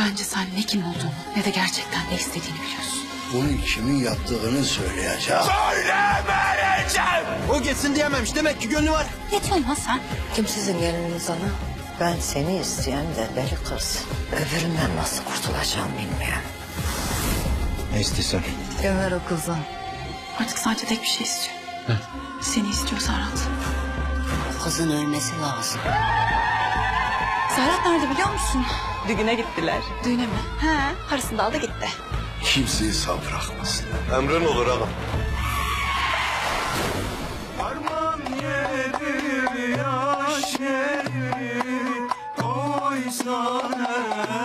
Bence sen ne kim olduğunu ne de gerçekten ne istediğini biliyorsun. Bunu kimin yaptığını söyleyeceğim. Söylemeyeceğim. O geçsin diyememiş. Demek ki gönlü var. Ne diyorsun lan sen? Kim sizin geliniz ana? Ben seni isteyen de deli kız. Öbüründen nasıl kurtulacağım bilmiyorum. Ne istiyorsun? Gömer o kızı. Artık sadece tek bir şey istiyor. Seni istiyor Serhat. Kızın ölmesi lazım. Serhat nerede biliyor musun? Düğüne gittiler. Düğüne mi? He, parasını da aldı gitti. Kimseyi sağ bırakmasın. Emrin olur ağam. Arman yeri yaş yeri koysan